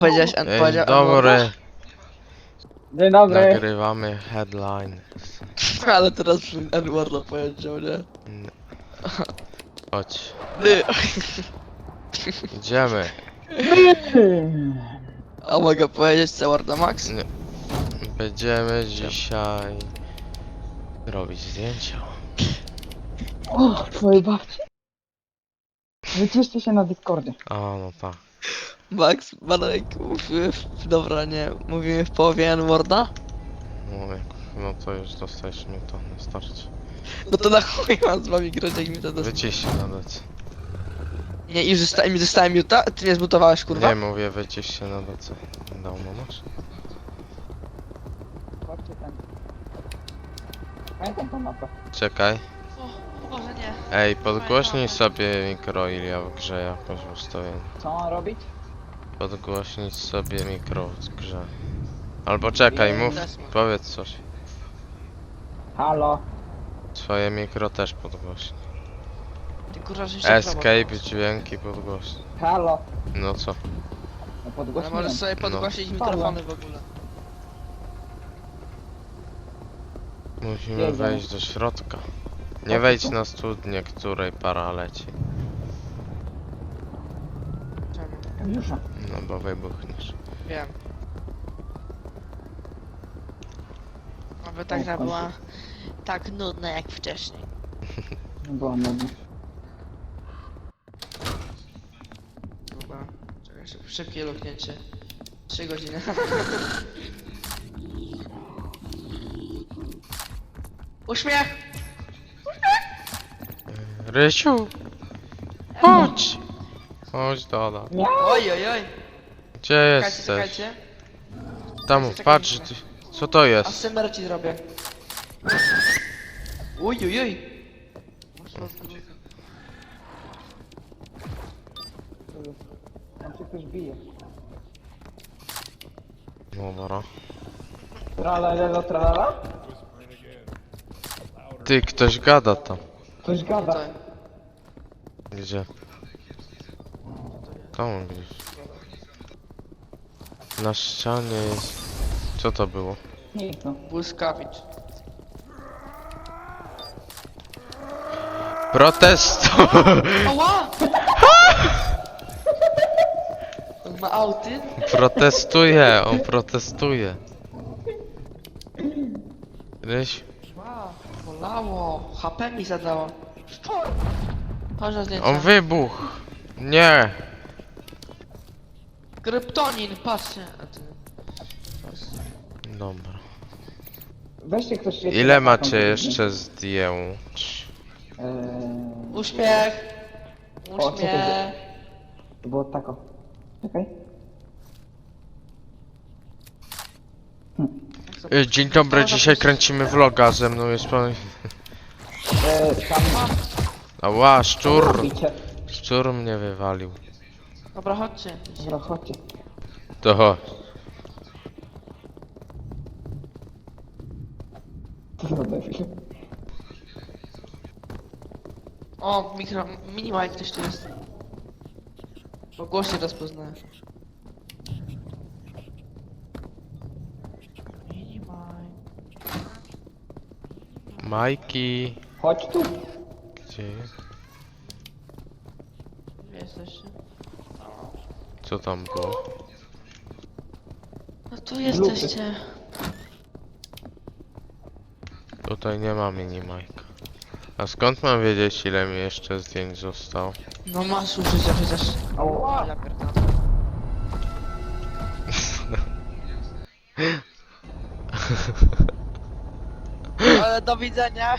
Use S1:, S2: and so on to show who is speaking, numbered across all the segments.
S1: Powiedziałeś, powiedział
S2: Dobry,
S3: Dzień dobry.
S2: nagrywamy headline.
S1: ale teraz Edwarda powiedział, nie?
S2: Chodź,
S1: Ty.
S2: idziemy.
S1: A mogę powiedzieć Edwarda Max?
S2: Nie. Będziemy dzisiaj robić zdjęcia.
S3: O, twojej babci. Wyciszcie się na Discordzie.
S2: A no tak.
S1: Max, Marek, mówimy dobra, nie, mówimy w połowie Edwarda?
S2: No to już dostajesz mi to, nie starczy.
S1: No to na chuj mam z wami grać, jak mi to dostanie.
S2: Wycisz się nawet.
S1: Nie, już zostałem Juta? Ty mnie zbutowałeś, kurwa?
S2: Nie mówię, wycisz się na DC. Dawno masz?
S3: Chodźcie ten. Pamiętam tą mapę.
S2: Czekaj.
S1: O, Boże nie.
S2: Ej, podgłośnij sobie mikro Ilia w grze jakoś ustawienie.
S3: Co mam robić?
S2: Podgłośnić sobie mikro w grze. Albo czekaj, mów, powiedz coś.
S3: Halo.
S2: Swoje mikro też podgłośnij.
S1: Ty kurwa, że się
S2: Escape, dźwięki podgłośnij.
S3: Halo.
S2: No co?
S3: No
S1: Ale
S3: podgłośniłem.
S1: możesz sobie podgłosić mikrofony w ogóle.
S2: Musimy
S3: Jedziemy.
S2: wejść do środka. Nie wejdź na studnię, której para leci.
S1: Czemu?
S3: Jusza.
S2: No bo wybuchniesz.
S1: Wiem. Aby ta gra była tak nudna jak wcześniej.
S3: Była nudna.
S1: Dobra, czekaj, szybkie luknięcie. 3 godziny. Uśmiech!
S2: Rysiu! Chodź! Chodź Doda.
S1: Oj, oj, oj!
S2: Gdzie
S1: Czekajcie,
S2: jesteś?
S1: czekajcie.
S2: Tam,
S1: czekajcie,
S2: patrz,
S1: czekajcie.
S2: co to jest?
S1: ASMR ci zrobię. Uj, uj, uj!
S3: Tam się ktoś bije.
S2: Dobra.
S3: Tralalelo tralala?
S2: Ty, ktoś gada tam.
S3: Ktoś gada.
S1: Tutaj.
S2: Gdzie? Tam gdzieś. Na ścianie jest... Co to było?
S3: Nic no.
S1: Błyskawicz.
S2: Protestu!
S1: Ała! On ma auty?
S2: Protestuje, on protestuje. Ryś,
S1: Wow, bolało. HP mi zadało. Chodź na zdjęcie.
S2: on wybuchł. Nie.
S1: Kryptonin, patrzcie. A ty...
S2: Dobra.
S3: Weźcie ktoś świeci.
S2: Ile
S3: na
S2: macie
S3: taką-
S2: jeszcze zdjęć?
S1: Uśmiech.
S3: O, co to
S1: Uśmiech.
S3: To było tako. Czekaj.
S2: Dzień dobry, dzisiaj kręcimy vloga, ze mną jest pan...
S3: Tam
S2: Ała, szczur!
S3: robicie.
S2: Szczur mnie wywalił.
S1: Dobra, chodźcie.
S3: Dobra, chodźcie.
S2: To chodź.
S3: Co za debil.
S1: O, mini Mike ktoś tu jest. Po głosie rozpoznaję. Mini Mike.
S2: Majki.
S3: Chodź tu.
S2: Gdzie jest?
S1: Gdzie jesteście?
S2: Co tam było?
S1: No tu jesteście.
S2: Tutaj nie ma mini Majka. A skąd mam wiedzieć, ile mi jeszcze zdjęć zostało?
S1: No masz użycia przecież.
S3: Ała.
S1: Ja pierdolę. Ale do widzenia.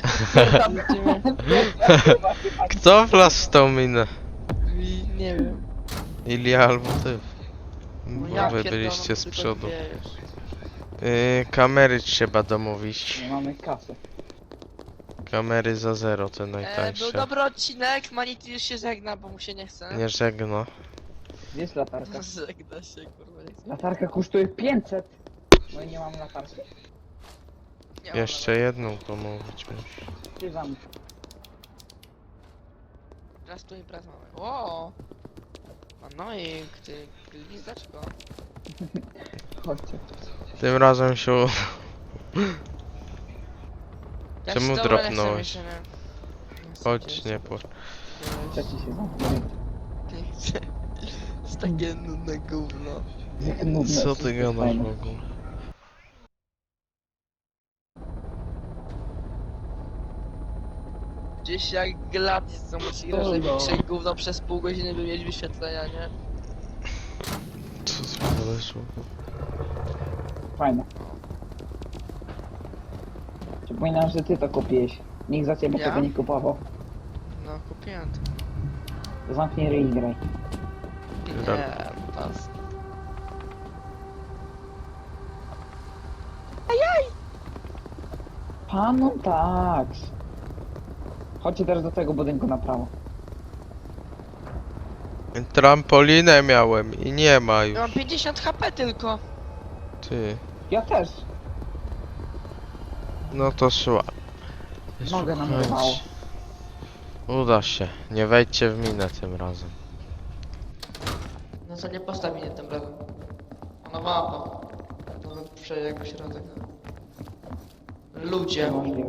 S2: Kto wlazł w tą minę?
S1: Nie wiem.
S2: Ilia albo ty?
S1: No
S2: Bo
S1: ja
S2: wy
S1: pierdolę,
S2: byliście z
S1: tylko
S2: przodu.
S1: dwie już.
S2: Kamery trzeba domówić.
S3: Nie mamy kasy.
S2: Kamery za 0, te
S1: Był
S2: najtańsze.
S1: dobry odcinek, Manity już się żegna, bo mu się nie chce.
S2: Nie żegno.
S3: Gdzie jest latarka?
S1: Żegna się, kurwa, nie chce.
S3: Latarka kosztuje 500. No i nie mam latarki.
S1: Nie mam
S2: Jeszcze jedną domówić musi.
S3: Ty za mną.
S1: Raz tu i raz mamy. O! Manojek, ty glizdaczko.
S3: Chodźcie.
S2: Tym razem się...
S1: Ja
S2: Czemu
S1: się dobra nie chcę
S2: dropnąłeś?
S1: mi się, nie. Nie chcę
S2: Chodź,
S1: cię
S2: nie płacz.
S3: Trzeci się zamknął.
S1: Nie chcę. To jest takie nudne gówno.
S3: Jak nudne,
S2: Co
S3: wszystko
S2: ty
S3: jest
S2: gadasz
S3: fajne.
S2: w ogóle?
S1: Gdzieś jak Gladys, co musi grać
S3: O, no.
S1: największe gówno przez pół godziny, by mieć wyświetlenia, nie?
S2: Co ty gadasz w ogóle?
S3: Fajne. Przypominam, że ty to kupiłeś. Nikt za ciebie
S1: Ja?
S3: tego nie kupował.
S1: No, kupiłem to.
S3: To zamknij ryj i graj.
S1: Nie, pas.
S3: Panu tak. Chodźcie teraz do tego budynku na prawo.
S2: Trampolinę miałem i nie ma już.
S1: Ja mam 50 HP tylko.
S2: Ty.
S3: Ja też.
S2: No to szła.
S3: Nogę nam
S2: Słuchajcie.
S3: urwało.
S2: Uda się. Nie wejdźcie w minę tym razem.
S1: No co nie postawi mnie tym razem. Ona mapa. To przejdzie jako środek. Ludzie.
S3: Niemożliwe.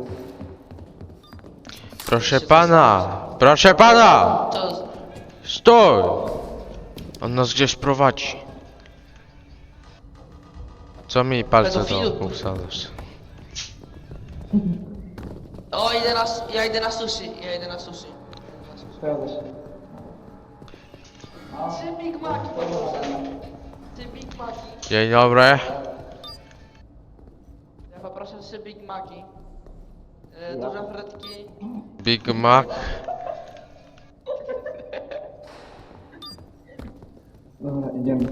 S2: Proszę pana! Proszę pana!
S1: To
S2: Stój! On nas gdzieś prowadzi. Co mi palce do
S1: Pedofilu.
S2: oku wsadzasz?
S1: O, ja idę na sushi. Ja idę na sushi.
S3: Zgadza się.
S1: Ty Big Mac, Ty Big Mac.
S2: Dzień dobry.
S1: Ja poproszę 3 Big Maci.
S3: Ja.
S1: Duże frytki.
S2: Big Mac.
S3: Dobra, idziemy.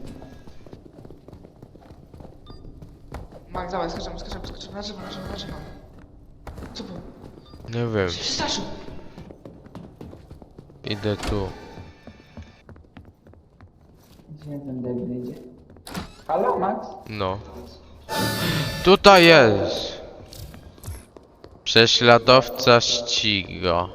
S1: Mac, dawaj, skaczemy. Na drzewo. Co było?
S2: Nie wiem.
S1: Się przestraszył.
S2: Idę tu.
S3: Gdzie ten debil idzie? Halo, Max?
S2: No. Tutaj jest. Prześladowca ściga.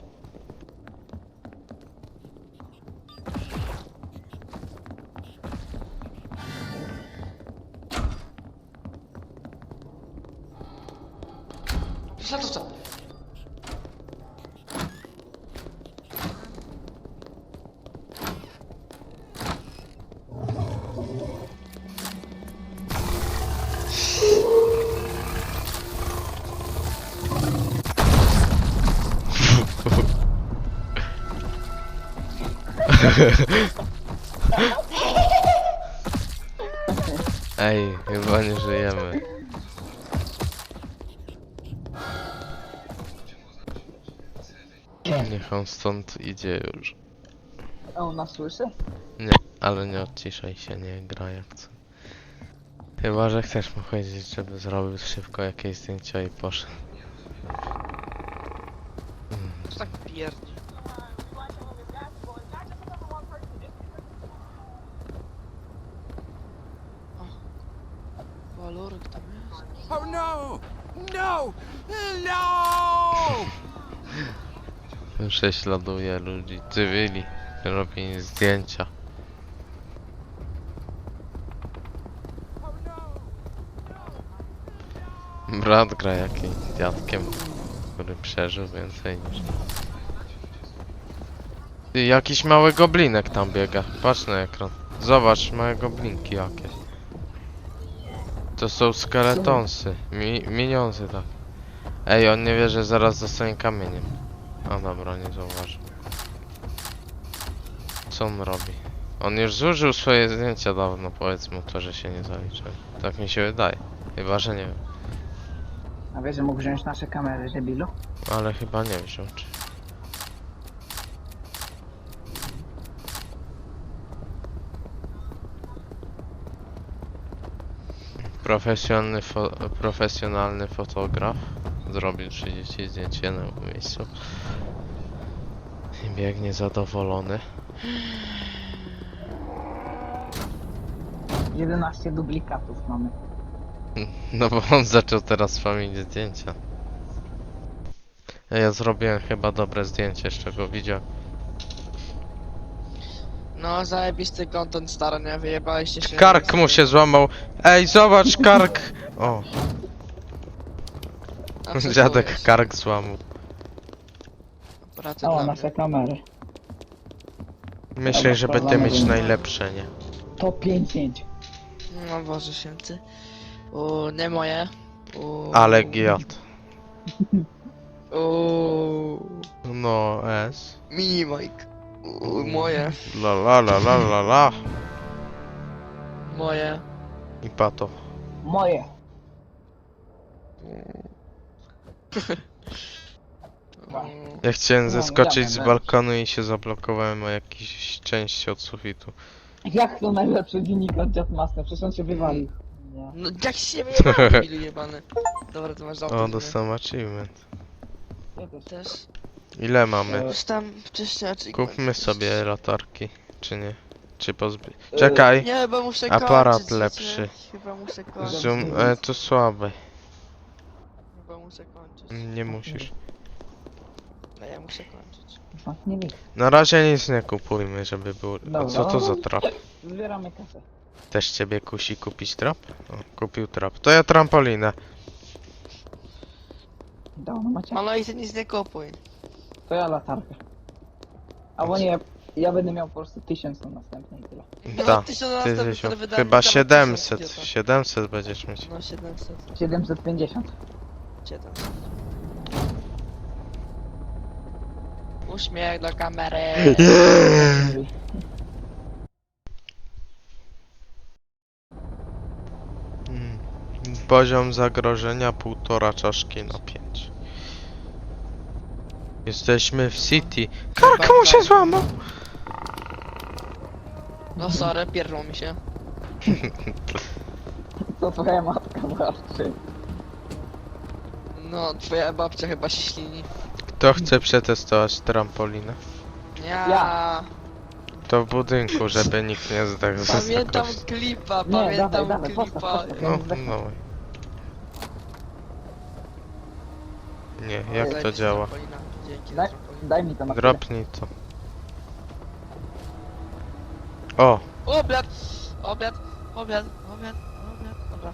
S1: Prześladowca.
S2: Ej, chyba nie żyjemy. Niech on stąd idzie już.
S3: A on nas słyszy?
S2: Nie, ale nie odciszaj się, nie gra jak co. Chyba, że chcesz mu powiedzieć, żeby zrobił szybko jakieś zdjęcia i poszedł.
S1: Co tak pierdzi? O, walorek tam jest.
S4: Oh no! No! No!
S2: Prześladuje ludzi, cywili, robi im zdjęcia. Brat gra jakimś dziadkiem, który przeżył więcej niż... Ty, jakiś mały goblinek tam biega, patrz na ekran. Zobacz, małe goblinki jakieś. To są skeletonsy, minionsy tak. Ej, on nie wie, że zaraz zostanie kamieniem. A dobra, nie zauważył. Co on robi? On już zużył swoje zdjęcia dawno, powiedz mu to, że się nie zaliczy. Tak mi się wydaje. Chyba, że nie wiem.
S3: A wiesz, że mógł wziąć nasze kamery, debilu?
S2: Ale chyba nie wziął, czy... Profesjonalny fotograf zrobił 30 zdjęć w jednym miejscu. I biegnie zadowolony.
S3: 11 duplikatów mamy.
S2: No bo on zaczął teraz spamić zdjęcia. Ja zrobiłem chyba dobre zdjęcie, z czego widział.
S1: No, zajebisty content stary, nie? Wyjebaliście się.
S2: Kark mu się złamał. Ej, zobacz, kark! O,
S1: A co
S2: dziadek
S1: czujesz?
S2: kark złamał.
S1: Aparaty
S3: O,
S1: dla
S3: nasze
S1: mnie.
S3: kamery.
S2: Myślę, że będę mieć najlepsze, nie?
S3: To 5-5.
S1: No Boże święty. Nie moje.
S2: Ale giat. No, S.
S1: Mini Mike. Moje.
S2: La la la la la la.
S1: Moje.
S2: I pato.
S3: Moje.
S2: Ja chciałem
S3: No,
S2: zeskoczyć z
S3: dobra,
S2: balkonu i się zablokowałem o jakieś części od sufitu.
S3: Jak to najlepszy dziennik od Jetmaster? Przecież on się wywalił. Nie.
S1: No jak się wyjebałem, debilu jebany. Dobra, to masz auto.
S2: O, dostałem achievement.
S3: Ja też.
S1: Też.
S2: Ile mamy?
S1: Już tam wcześniej
S2: Kupmy sobie latarki, czy nie? Czy pozby... Czekaj!
S1: Nie, bo muszę
S2: Aparat
S1: kończyć,
S2: lepszy.
S1: wiecie? Chyba muszę kończyć.
S2: Zoom... to słabe.
S1: Chyba muszę kończyć.
S2: Nie musisz.
S1: No ja muszę kończyć.
S3: Nie wiem.
S2: Na razie nic nie kupujmy, żeby było... A
S3: Dobra.
S2: co to za trap?
S3: Zbieramy kasę.
S2: Też ciebie kusi kupić trap? O, kupił trap. To ja trampolinę.
S3: Dawno macie?
S1: No i ty nic nie kupuj.
S3: To ja latarkę. Albo nie, ja będę miał po prostu 1000 na następnej i tyle.
S1: No,
S2: Ta,
S1: 1000
S2: ty,
S1: wydałem
S2: chyba
S1: mi tam
S2: 700.
S1: 1000,
S2: 700 będziesz mieć.
S1: No 700.
S3: 750.
S1: 700. Uśmiech do kamery.
S2: Mm. Poziom zagrożenia 1,5 czaszki na 5. Jesteśmy w City. Kark mu się złamał!
S1: No sorry, pierdło mi się.
S3: To twoja matka warczy.
S1: No, twoja babcia chyba się ślini.
S2: Kto chce przetestować trampolinę?
S1: Ja.
S2: To w budynku, żeby nikt nie zdechł ze
S1: Pamiętam
S2: zagrożenia.
S1: klipa,
S3: Nie,
S1: pamiętam
S3: dawaj,
S1: klipa.
S3: postaw.
S2: No, no. Nie, jak to
S1: Zajebista
S2: działa?
S1: trampolina. Dzięki za
S3: Daj,
S1: trampolinę.
S3: daj mi to na chwilę.
S2: Dropnij to. O!
S1: Obiad! Obiad! Obiad! Obiad! Obiad! Dobra.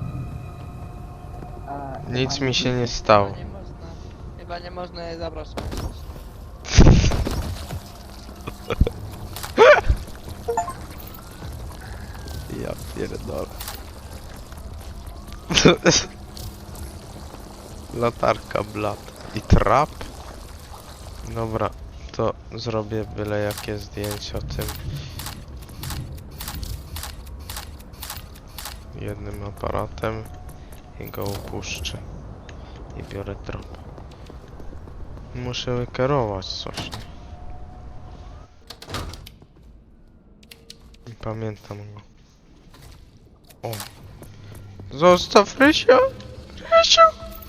S3: A,
S2: Nic
S3: chyba
S2: mi się nie stało.
S1: Chyba nie można. Chyba nie można je zabrać.
S2: Ja pierdolę. Latarka blat. I trap? Dobra, to zrobię byle jakie zdjęcie o tym. Jednym aparatem i go upuszczę. I biorę trap. Muszę wykierować coś. Nie pamiętam go. O. Zostaw Rysio! Rysiu!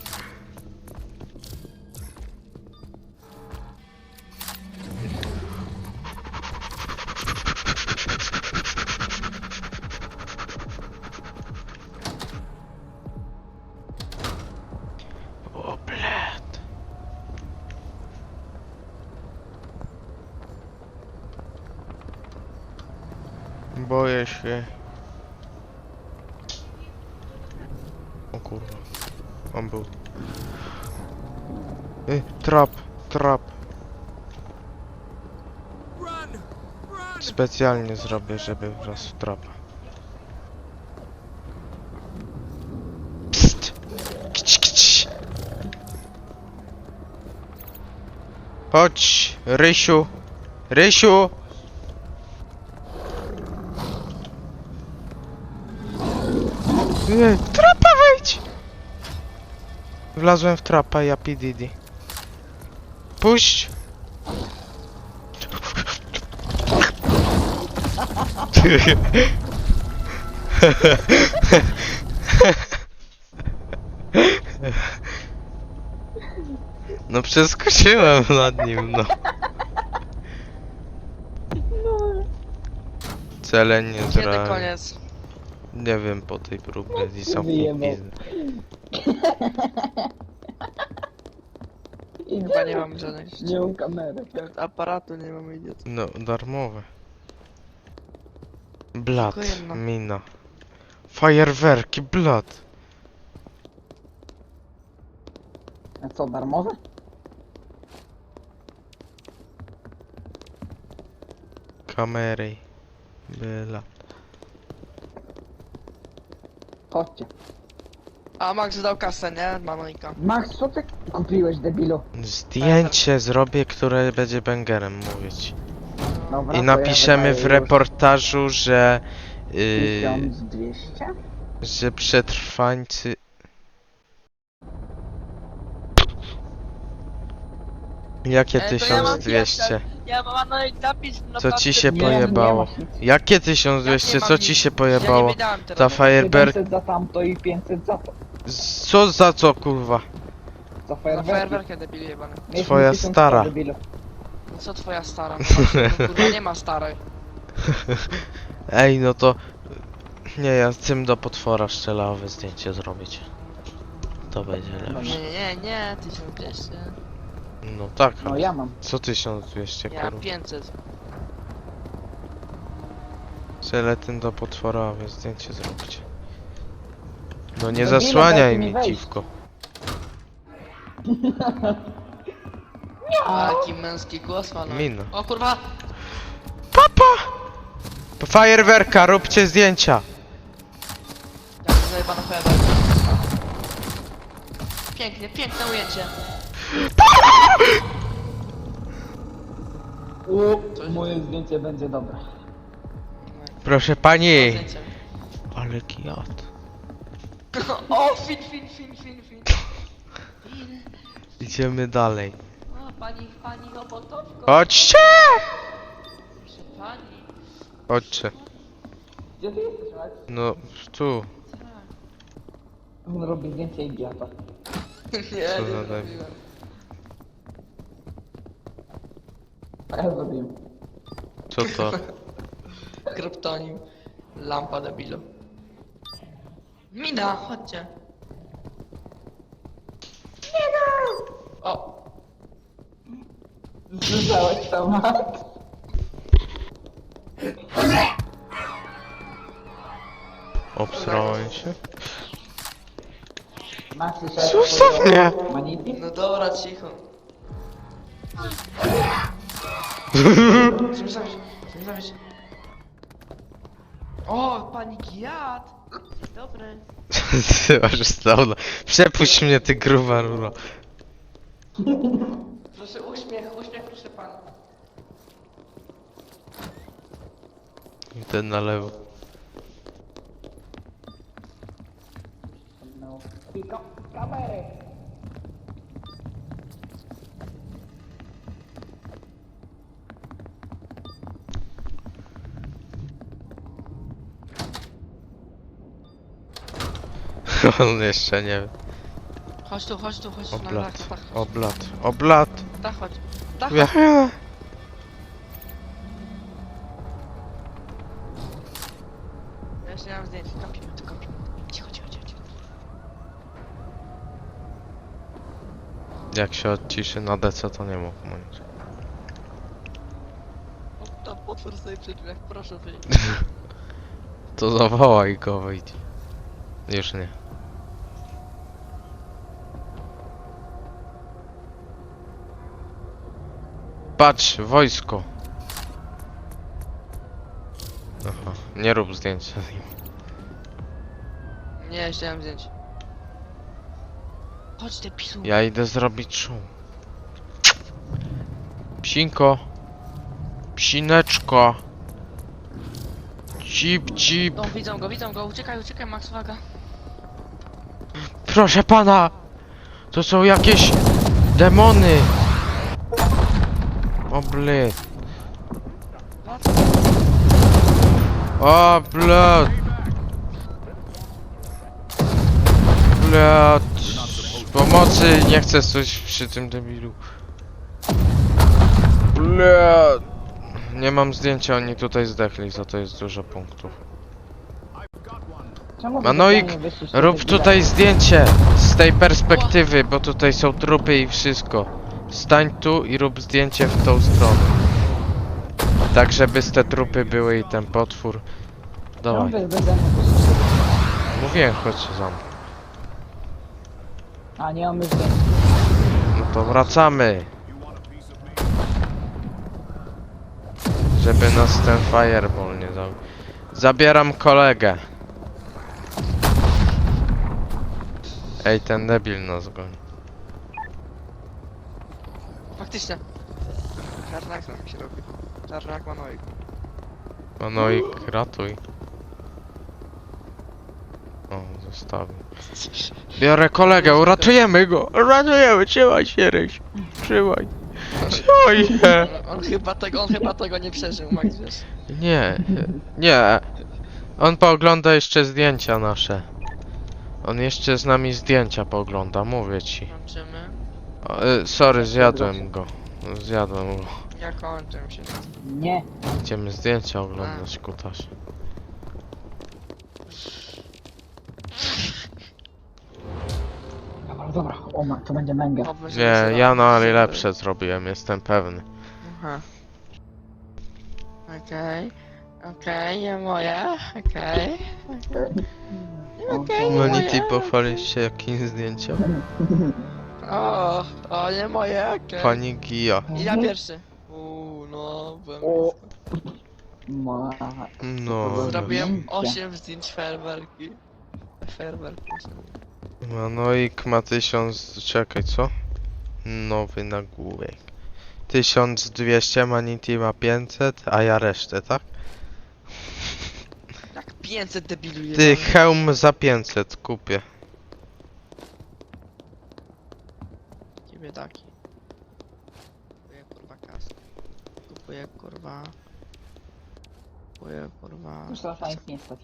S2: O, bled. Boję się. O kurwa. On był. Trap, trap.
S4: Run! Run!
S2: Specjalnie zrobię, żeby wraz w trapa. Psst. Kić, kić. Chodź, Rysiu. Rysiu! Trapa wejdź! Wlazłem w trapa, ja PDD. Puść! No przeskoczyłem nad nim, no. Cele nie
S1: Kiedy
S2: zrealizowane.
S1: koniec?
S2: Nie wiem po tej próbie i są
S3: Wyjebał.
S1: Chyba nie mam żadnych
S3: Nie mam kamery.
S1: aparatu, nie mam idiot.
S2: No, darmowe. Blat,
S1: Tylko jedno.
S2: mina. Fajerwerki, blat.
S3: A co, darmowe?
S2: Kamery. Blat.
S3: Chodźcie.
S1: A Max dał kasę, nie? Manojka.
S3: Max, co ty kupiłeś, debilu?
S2: Zdjęcie zrobię, które będzie bangerem, mówię ci.
S3: Dobra,
S2: I
S3: to
S2: napiszemy
S3: ja
S2: w
S3: wydaję
S2: reportażu, że...
S3: już 1200?
S2: że przetrwańcy... Jakie
S1: To ja mam
S2: 1200?
S1: Ja mam napisz na
S2: Co ci się
S3: Nie,
S2: pojebało?
S3: nie masz nic.
S2: Jakie 1200? Co ci się
S1: Ja
S2: pojebało?
S1: nie wydałem teraz.
S2: Ta fajerwerk...
S3: 700 za tamto i 500 za to.
S2: Co za co, kurwa?
S3: Za
S1: Na
S3: fajerwerki.
S1: fajerwerkę debil jebany.
S3: Mieliśmy
S2: Twoja
S3: 1000
S2: stara.
S3: debilu.
S1: No co twoja stara? No właśnie, no kurwa nie ma starej.
S2: Ej, no to... Nie, ja tym do potwora szczelawe zdjęcie zrobić. To będzie lepsze.
S1: Nie, 1200.
S2: No tak,
S3: No ja mam.
S2: co 1200,
S1: Ja
S2: kurwa?
S1: 500.
S2: Żeletyn do potworowe zdjęcie zrobić. No nie
S3: Debile,
S2: zasłaniaj
S3: dajcie mi
S2: mi,
S3: wejść.
S2: dziwko.
S1: Taki męski głos ma.
S2: Mina.
S1: O kurwa!
S2: Fajerwerka, róbcie zdjęcia!
S1: Jak zajebana fajerwerka. Pięknie, piękne ujęcie.
S3: Moje zdjęcie będzie dobre.
S2: Proszę pani!
S1: Zdjęcie.
S2: Ale kijat.
S1: O, fin.
S2: Idziemy dalej.
S1: O, pani robotowko.
S2: Chodźcie!
S1: Proszę pani.
S2: Chodźcie.
S3: Gdzie ty jesteś, Max?
S2: No, tu.
S3: On robi zdjęcie idiota.
S1: Nie,
S2: Co
S1: nie
S2: za debil.
S1: zrobiłem.
S3: A ja zrobiłem.
S2: Co to?
S1: Kryptonim. Lampa debilu. Mina, chodźcie. Mina! O,
S3: Słyszałeś to, Max?
S2: Obsrałem się.
S3: Max, słyszałeś
S2: Zostaw mnie!
S3: Manity?
S1: no dobra, cicho. Chcemy zabić. O, pani Giat! Dobry.
S2: Ty masz stauna. Przepuść mnie, ty gruba ruro.
S1: Proszę uśmiech, proszę pana.
S2: Ten na lewo.
S3: No. Tylko kamery.
S2: On jeszcze nie wie.
S1: Chodź tu, na
S2: Oblat.
S1: dach,
S2: Oblat. Oblat.
S1: chodź. Dach,
S2: Ja.
S1: Ja jeszcze nie mam zdjęć, kapimy. Cicho.
S2: Jak się odciszy na DC, to nie mógł mówić.
S1: O, tam potwór stoi przy drzwiach, proszę wyjść.
S2: To zawołaj go, wyjdź. Już nie. Patrz, wojsko. Aha, nie rób zdjęcia z nim.
S1: Nie, jeszcze nie mam zdjęć. Chodź te pisu.
S2: Ja idę zrobić szum. Psinko. Psineczko. Cip.
S1: O, widzą go, uciekaj, Max, uwaga.
S2: Proszę pana! To są jakieś demony! O bled. O bled. Bled. Pomocy, nie chcę coś przy tym debilu. Bled. Nie mam zdjęcia, oni tutaj zdechli, za to jest dużo punktów.
S3: Czemu wy
S2: Manoik,
S3: tak nie wyszliście
S2: rób
S3: do
S2: tutaj zdjęcie z tej perspektywy, bo tutaj są trupy i wszystko. Stań tu i rób zdjęcie w tą stronę. Tak, żeby te trupy były i ten potwór. Dawaj.
S3: Ciągle beze mnie po prostu.
S2: Mówiłem, chodź za mną.
S3: A nie mamy zdjęć.
S2: No to wracamy. Żeby nas ten fireball nie dał. Zabieram kolegę. Ej, ten debil nas goni.
S1: Faktycznie. Czarnak nam się robi. Czarnak Manojek.
S2: No i ratuj. O, zostawił. Biorę kolegę, uratujemy go! Uratujemy, trzymaj się, Ryś. Trzymaj. Trzymaj się.
S1: On chyba tego nie przeżył, Max, wiesz.
S2: Nie, nie. On poogląda jeszcze zdjęcia nasze. On jeszcze z nami zdjęcia poogląda, mówię ci.
S1: Kończymy.
S2: O, sorry, zjadłem go. Zjadłem go.
S1: Ja kończę się.
S3: Nie.
S2: Idziemy zdjęcia oglądać, kutas.
S3: Dobra, dobra. O ma, to będzie męga.
S2: Nie, ja najlepsze zrobiłem, jestem pewny.
S1: Aha. Okej. Okej, nie moje. Okej. Okej, nie moje.
S2: Monity, pochwalisz się jakim zdjęciem?
S1: O, nie moje, okej.
S2: Pani Gia.
S1: I ja pierwszy. No, byłem...
S3: O. Ma.
S2: No,
S1: Zrobiłem 8 zdjęć fajerwerki. Fajerwerki.
S2: Manoik ma 1000... Czekaj, co? Nowy nagłówek. 1200, Manity ma 500, a ja resztę, tak?
S1: Jak 500 debilu
S2: Ty,
S1: jebany.
S2: hełm za 500 kupię.
S1: Ciebie taki. Kupuję kurwa kasę. Kupuję kurwa... Kupuję kurwa...
S3: Już teraz na nic nie stać.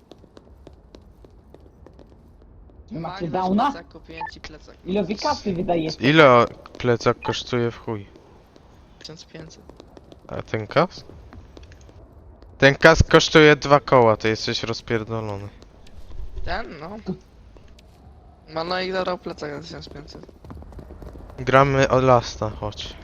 S3: Wy
S1: Magnus,
S3: macie downa?
S1: plecak, kupiłem ci plecak.
S3: Ile wy kasy wydajecie?
S2: Ile plecak kosztuje w chuj?
S1: 1500.
S2: A ten kask? Ten kask kosztuje 2 koła, ty jesteś rozpierdolony.
S1: Ten, no. No i dodał plecak na 1500.
S2: Gramy o Lasta, chodź.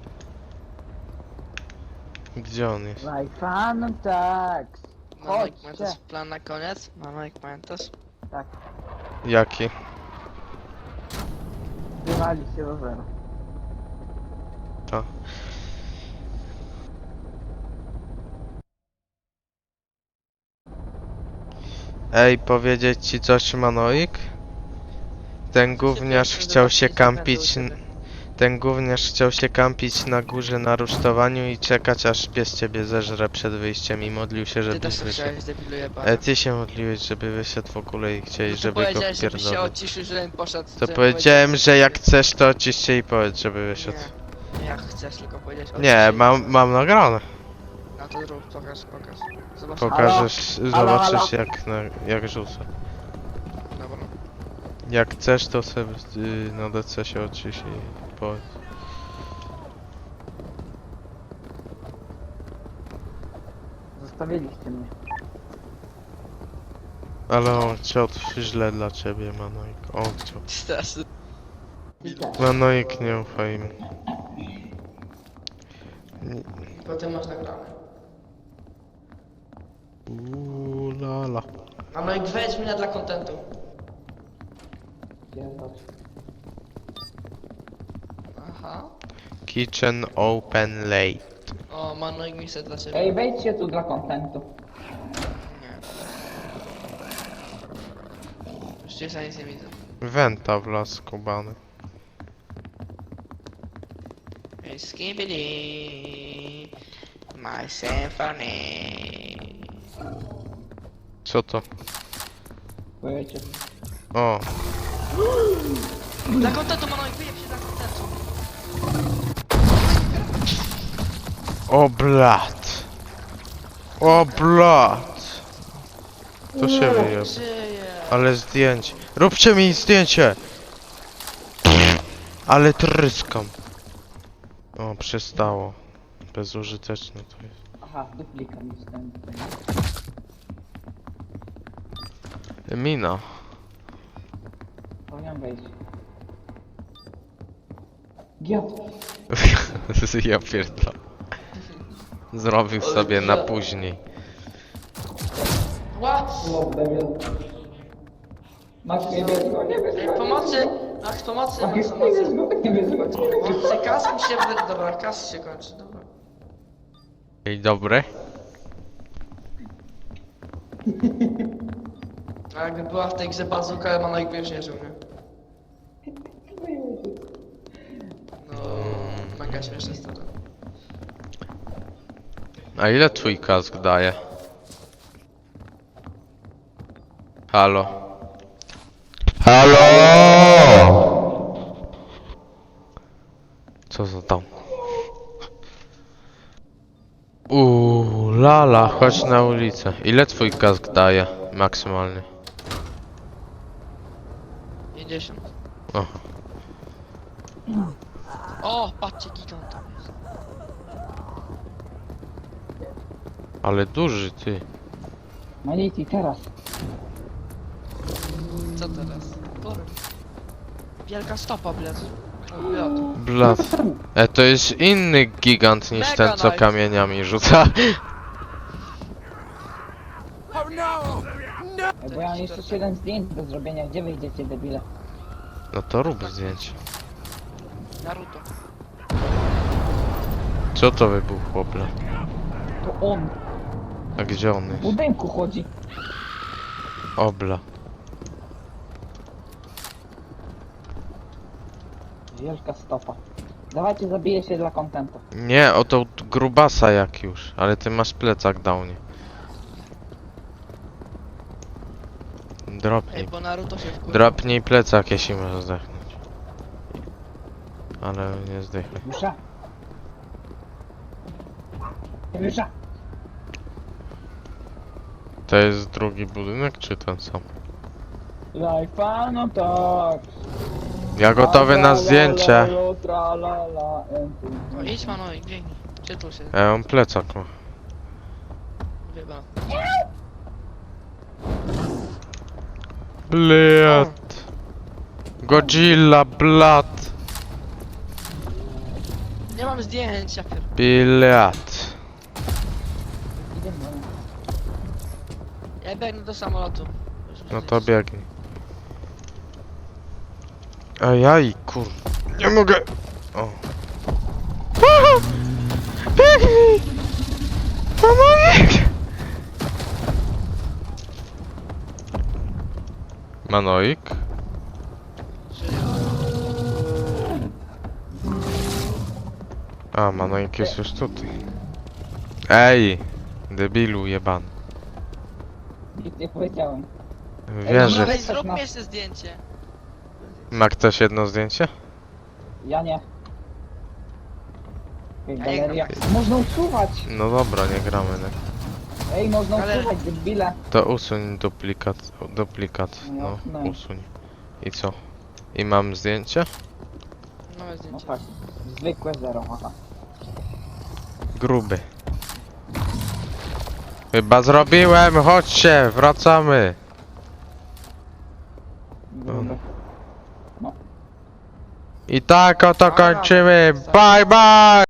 S2: Gdzie on jest?
S3: Like Fantax.
S1: Manojek,
S3: Chodźcie.
S1: pamiętasz plan na koniec? Manojek, pamiętasz?
S3: Tak.
S2: Jaki?
S3: Wywalić się do zera.
S2: To. Ej, powiedzieć ci coś, Manoik? Ten gówniarz chciał się kampić... Ten gówniarz chciał się kampić na górze na rusztowaniu i czekać aż pies ciebie zeżre przed wyjściem i modlił się,
S1: Ty
S2: żeby
S1: też to
S2: wyszedł.
S1: chciałeś, debilu jebany.
S2: Ty się modliłeś, żeby wyszedł w ogóle i chciałeś,
S1: No to
S2: żeby go
S1: powiedziałeś, żebyś się
S2: wpierdolić.
S1: odciszył, żebym poszedł.
S2: To
S1: żebym
S2: powiedziałem, że jak chcesz, to odcisz się i powiedz, żeby wyszedł.
S1: Nie, jak chcesz, tylko powiedziałeś odcisz
S2: Nie,
S1: się.
S2: mam nagrane.
S1: No to zrób, pokaż. Zobacz.
S2: Pokażesz,
S3: Halo,
S2: zobaczysz
S3: halo.
S2: jak rzucę.
S1: Dobra.
S2: Jak chcesz, to sobie na DC się odcisz i powiedz.
S3: Zostawiliście mnie.
S2: Ale on chciał źle dla ciebie, Manoik. On chciał.
S1: Teraz.
S2: Manoik, nie ufaj mu.
S1: Potem masz nagrane.
S2: Lala.
S1: Manojek, wejdź mnie dla kontentu. Aha.
S2: Kitchen open late.
S1: O, Manojek misja dla ciebie.
S3: Ej, wejdźcie tu dla kontentu.
S1: Nie. Już cię za nic nie widzę.
S2: Wenta w las skubany.
S1: Hey, skibidi, my symphony.
S2: Co to?
S3: Powiecie.
S2: O,
S1: Dla kontentu, Manojek, wyjeb się dla kontentu.
S2: o blat. O blat. To się wyjeb.
S1: Żyje.
S2: Ale zdjęcie. Róbcie mi zdjęcie! Ale tryskam. O, przestało. Bezużyteczne to jest.
S3: Aha, duplika mi wstęp.
S2: Mina.
S3: Powinien wejść. Giat.
S2: Ja pierdolę. Zrobił sobie na później.
S1: What?
S3: O, debil. Max, nie bierz go, nie bierz
S1: Ej,
S3: go.
S1: pomocy! Max, pomocy, Max,
S3: Nie bierz
S1: pomocy.
S3: go, nie bierz go.
S1: Pomocy, kas mi się dobra, kas się kończy, dobra.
S2: Dzień dobry.
S1: A jakby była w tej grze bazuka, Manojek by już nie żył, nie? No, mega śmieszne stara.
S2: A ile twój kask daje? Halo? Halo! Co za tam? Lala, chodź na ulicę. Ile twój kask daje maksymalnie?
S1: 50.
S2: O.
S1: O, patrzcie, gigant tam jest.
S2: Ale duży ty.
S3: Maliti, teraz.
S1: Co teraz? Kurwa. Wielka stopa, blec. O, blot.
S2: Blat. To jest inny gigant niż
S1: Mega
S2: ten, co
S1: Knight.
S2: kamieniami rzuca.
S4: Oh no!
S3: Bo ja mam jeszcze 7 zdjęć do zrobienia. Gdzie wyjdziecie, debile?
S2: No to rób zdjęcie.
S1: Naruto.
S2: Co to wybuchło, blat?
S3: To on
S2: A gdzie on
S3: w
S2: jest?
S3: budynku chodzi.
S2: Obla.
S3: Wielka stopa. Dawajcie, zabiję się dla kontentu.
S2: Nie, o to grubasa jak już. Ale ty masz plecak downie.
S1: Ej,
S2: Dropnij.
S1: bo Naruto się wkurzył.
S2: Dropnij plecak, jeśli możesz zdechnąć. Ale nie zdechnę.
S3: Mysza. Mysza.
S2: To jest drugi budynek, czy ten sam?
S3: Life, no tak.
S2: Ja gotowy na zdjęcie.
S1: No idź Manojek, biegnij. Czytul się.
S2: Ja mam plecak, no.
S1: Chyba.
S2: Blat. Godzilla, blat.
S1: Nie mam zdjęć, ja pier...
S2: Blat.
S1: Ja biegnę do samolotu.
S2: No to biegnij. Ajaj, kur... Nie mogę! O. Aha! Biegnij! Manoik! Manoik? A, Manoik jest już tutaj. Ej! Debilu jebany.
S3: Nic nie powiedziałem.
S2: Wiem, że...
S1: Ej, zrób mi jeszcze zdjęcie.
S2: Ma ktoś jedno zdjęcie?
S3: Ja nie. Ej,
S1: Ja nie
S3: galeria. Można usuwać!
S2: No dobra, nie gramy. Nie.
S3: Ej, można
S1: Ale-
S3: usuwać, debile.
S2: To usuń duplikat. No,
S3: No.
S2: usuń. I co? I mam zdjęcie?
S1: Nowe
S3: No
S1: zdjęcie.
S3: tak. Zwykłe zero, aha.
S2: Gruby. Chyba zrobiłem, chodźcie, wracamy.
S3: Gruby.
S2: I tak oto kończymy. Bye bye!